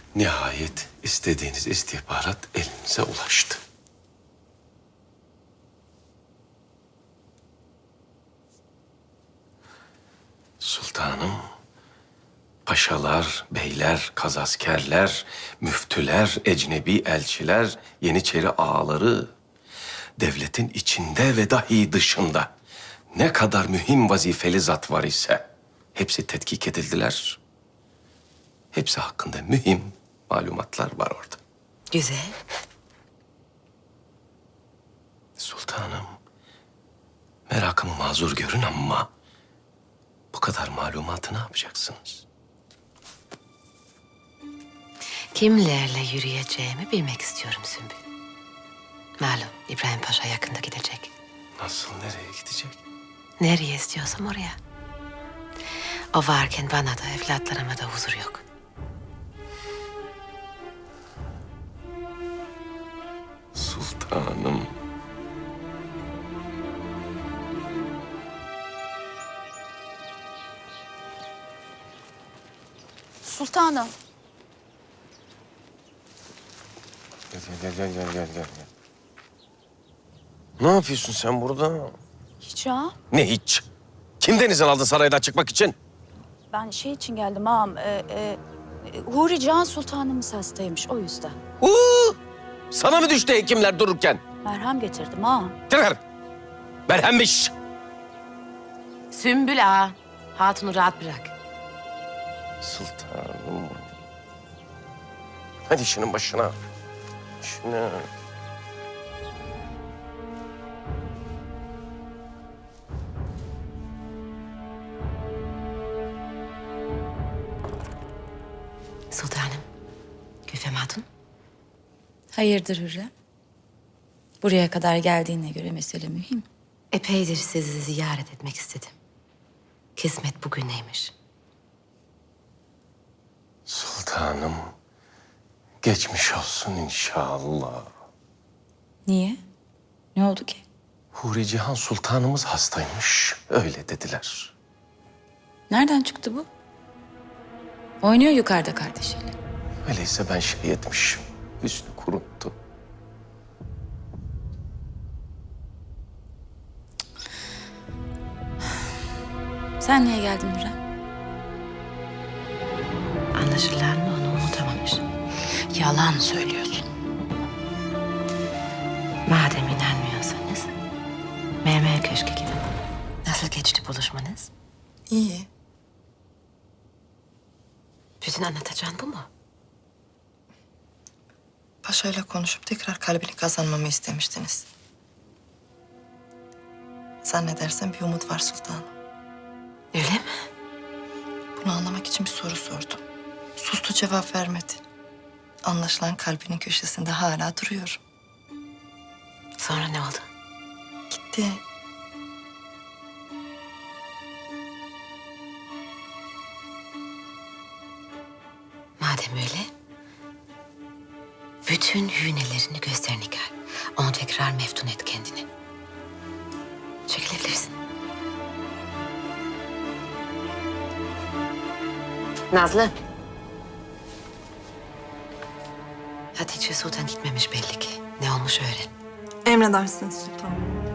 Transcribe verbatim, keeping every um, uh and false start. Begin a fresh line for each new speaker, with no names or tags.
Nihayet istediğiniz istihbarat elinize ulaştı. Sultanım, paşalar, beyler, kazaskerler, müftüler, ecnebi elçiler, yeniçeri ağaları, devletin içinde ve dahi dışında ne kadar mühim vazifeli zat var ise hepsi tetkik edildiler. Hepsi hakkında mühim malumatlar var orada.
Güzel.
Sultanım, merakımı mazur görün ama bu kadar malumatı ne yapacaksınız?
Kimlerle yürüyeceğimi bilmek istiyorum Sümbül. Malum İbrahim Paşa yakında gidecek.
Nasıl, nereye gidecek?
Nereye istiyorsam oraya. O varken bana da evlatlarıma da huzur yok.
Sultanım.
Sultanım.
Gel gel gel gel gel gel gel. Ne yapıyorsun sen burada?
Hiç ha?
Ne hiç? Kim denizden aldı saraydan çıkmak için?
Ben şey için geldim ağam. E, e, e, Huri Can Sultanımız hastaymış o yüzden.
Uuu! Sana mı düştü hekimler dururken?
Merhem getirdim ağam.
Tırhır! Merhemmiş!
Sümbül ağa, hatunu rahat bırak.
Sultanım. Hadi işinin başına. İşine.
Sultanım, Gülfem Hatun.
Hayırdır Hürrem? Buraya kadar geldiğine göre mesele mühim.
Epeydir sizi ziyaret etmek istedim. Kısmet bugüneymiş.
Sultanım. Geçmiş olsun inşallah.
Niye? Ne oldu ki?
Huri Cihan Sultanımız hastaymış. Öyle dediler.
Nereden çıktı bu? Oynuyor yukarıda kardeşiyle.
Öyleyse ben şey etmişim. Hüsnü kuruttu.
Sen niye geldin Hürrem?
Anlaşılan onu unutamamış. Yalan söylüyorsun. Madem inanmıyorsanız Mermer Köşk'e gidin. Nasıl geçti buluşmanız?
İyi.
Bütün anlatacağın bu mu?
Paşa'yla konuşup tekrar kalbini kazanmamı istemiştiniz. Zannedersem bir umut var sultanım.
Öyle mi?
Bunu anlamak için bir soru sordum. Sustu, cevap vermedi. Anlaşılan kalbinin köşesinde hala duruyorum.
Sonra ne oldu?
Gitti.
Madem öyle, bütün hünelerini göster Nigar. Onu tekrar meftun et kendini. Çekilebilirsin. Nazlı. Hatice Sultan gitmemiş belli ki. Ne olmuş öğren.
Emredersiniz sultanım.